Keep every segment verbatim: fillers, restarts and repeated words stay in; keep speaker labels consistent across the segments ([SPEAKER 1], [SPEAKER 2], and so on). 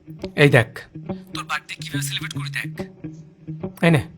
[SPEAKER 1] এই দেখ তোর বার্থডে কিভাবে সেলিব্রেট করি দেখ। এই নে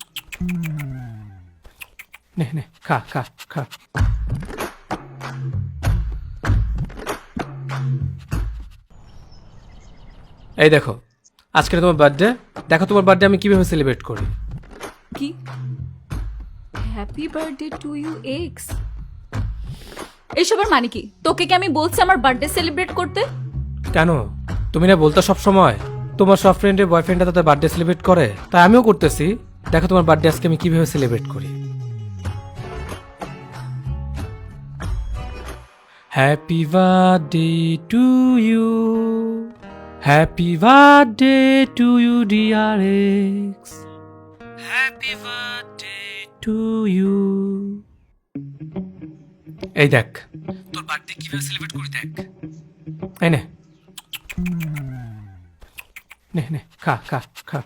[SPEAKER 1] নে নে খা খা খা। এই দেখো আজকে তোমার বার্থডে, দেখো তোমার বার্থডে আমি কিভাবে সেলিব্রেট করি।
[SPEAKER 2] কি? Happy birthday to you ex? এইসবের মানে কি? তোকে কি আমি বলছি আমার বার্থডে সেলিব্রেট করতে?
[SPEAKER 1] কেন তুমি না বলতো সব সময় তোমার সব ফ্রেন্ডের বয়ফ্রেন্ডরা তাদের বার্থডে সেলিব্রেট করে, তাই আমিও করতেছি। দেখো তোমার বার্থডে আজকে আমি কিভাবে সেলিব্রেট করি। Happy birthday to you, happy birthday to you dear ex, happy birthday to you. এই দেখ তোর বার্থডে কিভাবে সেলিব্রেট করি দেখ। এই নে নে নে খা খা খা।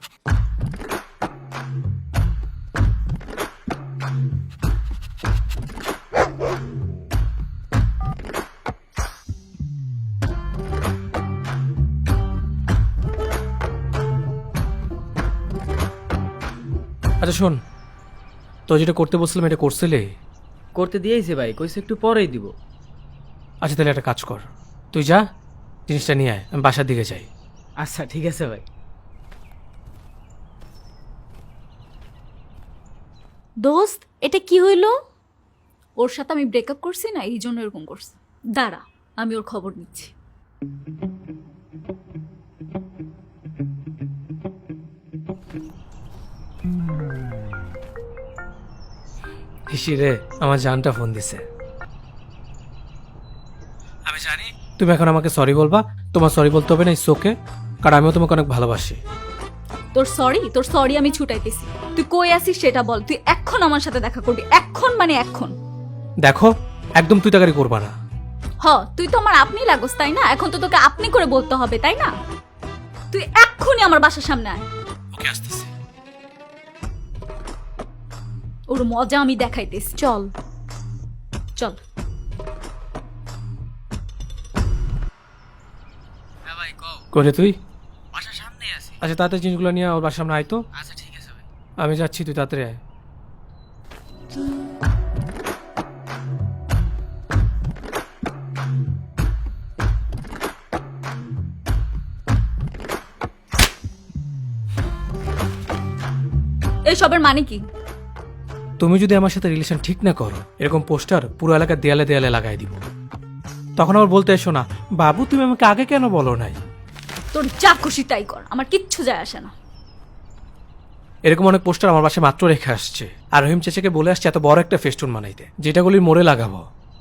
[SPEAKER 1] আচ্ছা শোন, তো যেটা করতে বলছিলাম এটা করছিলে?
[SPEAKER 3] করতে দিয়েছে ভাই, কইছে একটু পরেই দিব।
[SPEAKER 1] আচ্ছা তাহলে একটা কাজ কর, তুই যা জিনিসটা নিয়ে আয়, আমি বাসার দিকে যাই।
[SPEAKER 3] আচ্ছা ঠিক আছে ভাই।
[SPEAKER 2] দোস্ত এটা কি হইল? ওর সাথে আমি ব্রেকআপ করছি না, এই জন্য এরকম করছে। দাঁড়া আমি ওর খবর নিচ্ছি।
[SPEAKER 1] হিসি রে আমার জানটা ফোন দিছে। আমি জানি তুমি এখন আমাকে সরি বলবা, তোমার সরি বলতে হবে না, ইটস ওকে, কারণ আমিও তোমাকে অনেক ভালোবাসি।
[SPEAKER 2] তোর সরি তোর সরি আমি ছুটাইতেছি। তুই কই আসিস সেটা বল। তুই এখন আমার সাথে দেখা করবি, এখন মানে এখন।
[SPEAKER 1] দেখো একদম তুই তাকারি করবা না।
[SPEAKER 2] হ তুই তো আমার আপনি লাগোস তাই না? এখন তো তোকে আপনি করে বলতে হবে তাই না? তুই এক্ষুনি আমার বাসার সামনে আয়।
[SPEAKER 1] ওকে আসতেছি।
[SPEAKER 2] ওর মজা আমি দেখাইতেছি, চল চল।
[SPEAKER 3] হ্যাঁ ভাই কও।
[SPEAKER 1] করে তুই
[SPEAKER 3] বাসার সামনেই আছি।
[SPEAKER 1] আচ্ছা তাড়াতাড়ি জিনিসগুলো নিয়ে ওর বাসার সামনে আয় তো।
[SPEAKER 3] আচ্ছা ঠিক আছে ভাই।
[SPEAKER 1] আমি যাচ্ছি, তুই তাড়াতাড়ি আয়।
[SPEAKER 2] এইসবের মানে কি?
[SPEAKER 1] তুমি যদি আমার সাথে রিলেশন ঠিক না করো, এরকম পোস্টার পুরো এলাকার দেয়ালে দেয়ালে লাগাই দিব। তখন আবার বলতে এসো না বাবু তুমি আমাকে আগে কেন বলো নাই।
[SPEAKER 2] তোর যা খুশি তাই কর, আমার কিচ্ছু যায় আসে না।
[SPEAKER 1] এরকম অনেক পোস্টার আমার বাসায় মাত্র রেখে আসছে, আর রহিম চেচাকে বলে আসছে এত বড় একটা ফেস্টুন বানাইতে, যেটাগুলির মোড়ে লাগাবো।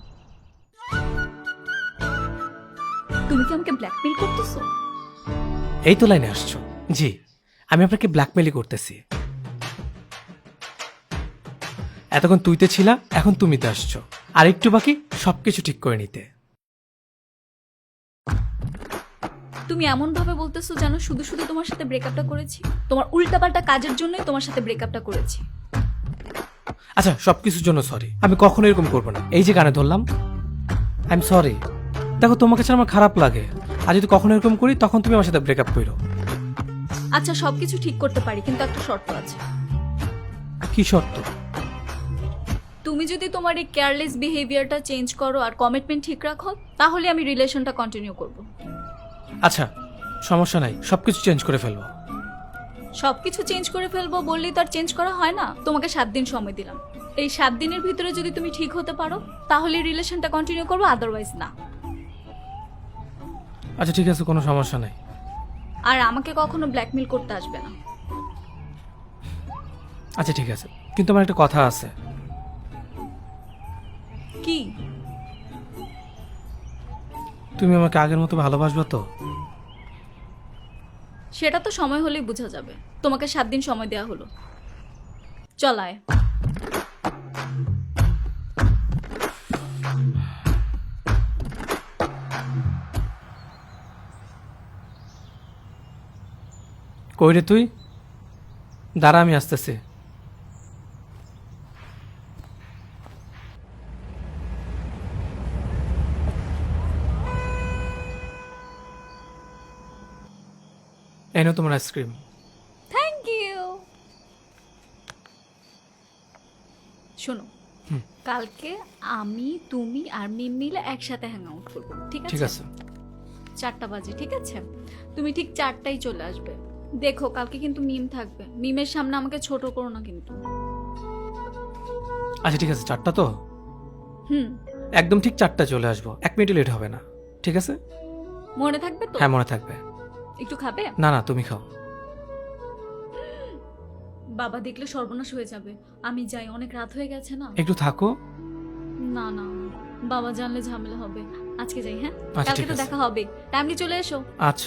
[SPEAKER 2] তুমি কি আমাকে ব্ল্যাকমেইল করতেছো?
[SPEAKER 1] এই তো লাইনে আসছো। জি আমি আপনাকে ব্ল্যাকমেইলই করতেছি। এতক্ষণ তুইতে ছিলা, এখন তুমিতে আসছো, আর একটু বাকি সবকিছু ঠিক করে নিতে।
[SPEAKER 2] তুমি এমন ভাবে বলতেছো যেন শুধু শুধু তোমার সাথে ব্রেকআপটা করেছি। তোমার উল্টাপাল্টা কাজের জন্যই তোমার সাথে ব্রেকআপটা করেছি।
[SPEAKER 1] আচ্ছা সবকিছুর জন্য সরি, আমি কখনো এরকম করবো না। এই যে গানে ধরলাম, আই এম সরি। দেখো তোমাকে ছাড়া আমার খারাপ লাগে, আর যদি কখনো এরকম করি তখন তুমি আমার সাথে ব্রেকআপ করো।
[SPEAKER 2] আচ্ছা সবকিছু ঠিক করতে পারি, কিন্তু একটা শর্ত আছে।
[SPEAKER 1] কি শর্ত?
[SPEAKER 2] তুমি যদি তোমার এই কেয়ারলেস বিহেভিয়ারটা চেঞ্জ করো আর কমিটমেন্ট ঠিক রাখো, তাহলে আমি রিলেশনটা কন্টিনিউ করব।
[SPEAKER 1] আচ্ছা সমস্যা নাই, সবকিছু চেঞ্জ করে ফেলবো।
[SPEAKER 2] সবকিছু চেঞ্জ করে ফেলবো বললেই তো আর চেঞ্জ করা হয় না। তোমাকে সাত দিন সময় দিলাম, এই সাত দিনের ভিতরে যদি তুমি ঠিক হতে পারো তাহলে রিলেশনটা কন্টিনিউ করবো, আদারওয়াইজ না।
[SPEAKER 1] আচ্ছা ঠিক আছে, কোনো সমস্যা নাই।
[SPEAKER 2] আর আমাকে কখনো ব্ল্যাকমেল করতে আসবে না।
[SPEAKER 1] আচ্ছা ঠিক আছে, কিন্তু আমার একটা কথা আছে।
[SPEAKER 2] কি?
[SPEAKER 1] তুমি আমাকে আগের মতো ভালোবাসবে তো?
[SPEAKER 2] সেটা তো সময় হলেই বোঝা যাবে। তোমাকে সাত দিন সময় দেওয়া হলো, চলায়।
[SPEAKER 1] কই রে তুই? দাঁড়া আমি আসতেছি। এই নাও তোমার আইসক্রিম।
[SPEAKER 2] Thank you. শোনো,
[SPEAKER 1] হুম।
[SPEAKER 2] কালকে আমি তুমি আর মিম মিলে একসাথে হ্যাং আউট করবো, ঠিক আছে?
[SPEAKER 1] ঠিক আছে।
[SPEAKER 2] চারটা বাজে, ঠিক আছে? তুমি ঠিক চারটায় চলে আসবে। দেখো কালকে কিন্তু মিম থাকবে, মিমের সামনে আমাকে ছোট করো না কিন্তু।
[SPEAKER 1] আচ্ছা ঠিক আছে, চারটা তো
[SPEAKER 2] হুম,
[SPEAKER 1] একদম ঠিক চারটা চলে আসবো, এক মিনিট লেট হবে না, ঠিক আছে?
[SPEAKER 2] মনে থাকবে তো?
[SPEAKER 1] হ্যাঁ মনে থাকবে।
[SPEAKER 2] একটু খাবে?
[SPEAKER 1] না না তুমি খাও।
[SPEAKER 2] বাবা দেখলে সর্বনাশ হয়ে যাবে। আমি যাই, অনেক রাত হয়ে গেছে না।
[SPEAKER 1] একটু থাকো।
[SPEAKER 2] না না, বাবা জানলে ঝামেলা হবে। আজকে যাই, হ্যাঁ?
[SPEAKER 1] আচ্ছা,
[SPEAKER 2] কালকে
[SPEAKER 1] ঠিক
[SPEAKER 2] তো
[SPEAKER 1] আছে।
[SPEAKER 2] দেখা হবে, টাইমলি চলে এসো।
[SPEAKER 1] আচ্ছা।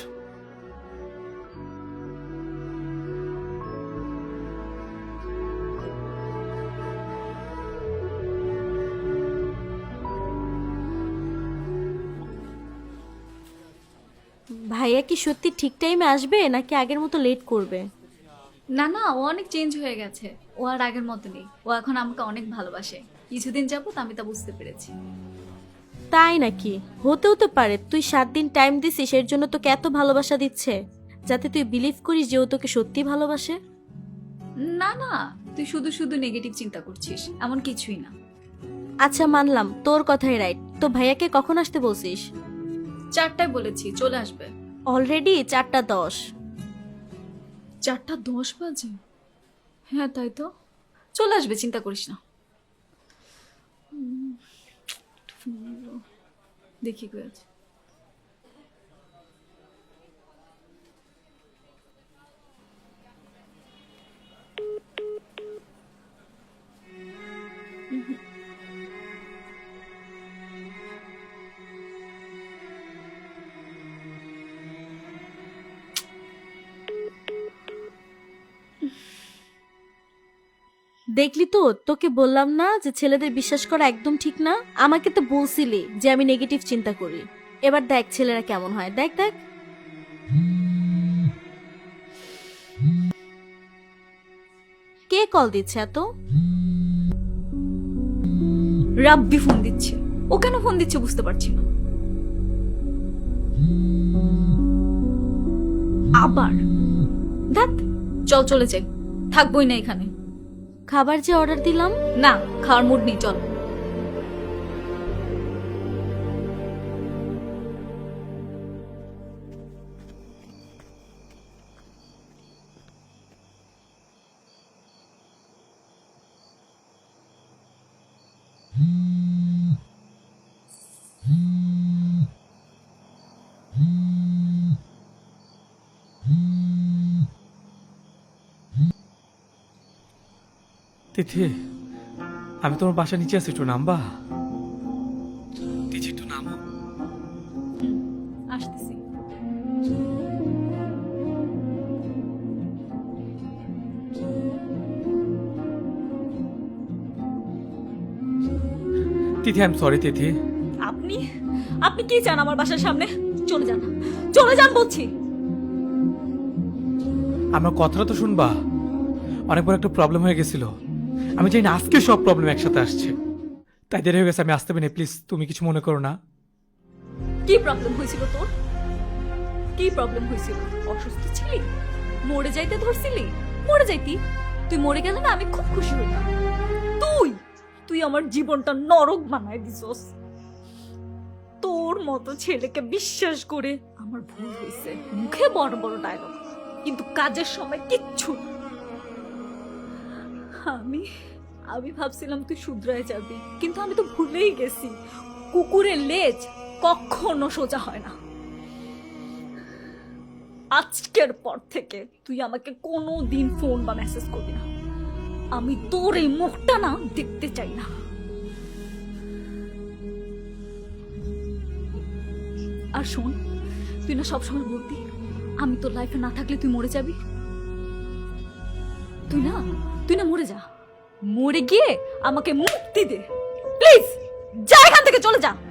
[SPEAKER 4] ভাইয়া কি সত্যি ঠিক টাইমে আসবে নাকি আগের মতো লেট করবে?
[SPEAKER 2] না না, ও অনেক চেঞ্জ হয়ে গেছে, ও আর আগের মতো নেই। ও এখন আমাকে অনেক ভালোবাসে। কিছুদিন যাবত আমি তা বুঝতে পেরেছি।
[SPEAKER 4] তাই নাকি? হতেও তো পারে তুই সাত দিন টাইম দিছিস, এর জন্য তোকে এত ভালোবাসা দিচ্ছে, যাতে তুই বিলিভ করিস যে ও তোকে সত্যি ভালোবাসে।
[SPEAKER 2] না না, তুই শুধু শুধু নেগেটিভ চিন্তা করছিস, এমন কিছুই না।
[SPEAKER 4] আচ্ছা মানলাম তোর কথাই রাইট, তো ভাইয়াকে কখন আসতে বলছিস?
[SPEAKER 2] চারটায় বলেছি, চলে আসবে।
[SPEAKER 4] অলরেডি চারটা দশ।
[SPEAKER 2] চারটা দশ বাজে? হ্যাঁ তাই তো, চলে আসবে, চিন্তা করিস না। উম, দেখি কই আছে।
[SPEAKER 4] দেখলি তো, তোকে বললাম না যে ছেলেদের বিশ্বাস করা একদম ঠিক না? আমাকে তো বলছিলি যে আমি নেগেটিভ চিন্তা করি। এবার দেখ ছেলেরা কেমন হয়, দেখ দেখ। কে কল দিচ্ছে এত?
[SPEAKER 2] রাব্বি ফোন দিচ্ছে। ও কেন ফোন দিচ্ছে বুঝতে পারছি না। আবার দেখ, চল চলে যাই, থাকবোই না এখানে।
[SPEAKER 4] খাবার যে অর্ডার দিলাম।
[SPEAKER 2] না, খাওয়ার মুড নেই, চল।
[SPEAKER 1] তিথি, আমি তোমার বাসা নিচে আছি, একটু নামবা? তিথি একটু নামো।
[SPEAKER 2] আসতেছি।
[SPEAKER 1] Tithi I am sorry Tithi.
[SPEAKER 2] আপনি আপনি কি চান আমার বাসার সামনে? চলে যান, চলে যান বলছি।
[SPEAKER 1] আমার কথাটা তো শুনবা। অনেক বড় একটা প্রবলেম হয়ে গেছিল, আমি জানি না আজকে সব প্রবলেম একসাথে আসছে, তাই দেরি হয়ে গেছে, আমি আসতে পারি, প্লিজ তুমি কিছু মনে করো না।
[SPEAKER 2] কি প্রবলেম হয়েছিল তোর? কি প্রবলেম হয়েছিল? অসুস্থ ছিলি? মরে যাইতে ধরছিলি? মরে যাইতি? তুই মরে গেলে না আমি খুব খুশি হইতাম। তুই তুই আমার জীবনটা নরক বানায় দিছস। তোর মতো ছেলেকে বিশ্বাস করে আমার ভুল হয়েছে। মুখে বড় বড় ডায়লগ, কিন্তু কাজের সময় কিচ্ছু না। আমি আমি ভাবছিলাম তুই শুধরায় যাবি, কিন্তু আমি তো ভুলেই গেছি কুকুরের লেজ কখনো সোজা হয় না। আজকের পর থেকে তুই আমাকে কোনো দিন ফোন বা মেসেজ করবি না। আমি তোর এই মুখটা না দেখতে চাই না। আর শোন, তুই না সবসময় বলতি আমি তোর লাইফে না থাকলে তুই মরে যাবি। তুই না তুই না মরে যা, মরে গিয়ে আমাকে মুক্তি দে প্লিজ। যা এখান থেকে, চলে যা।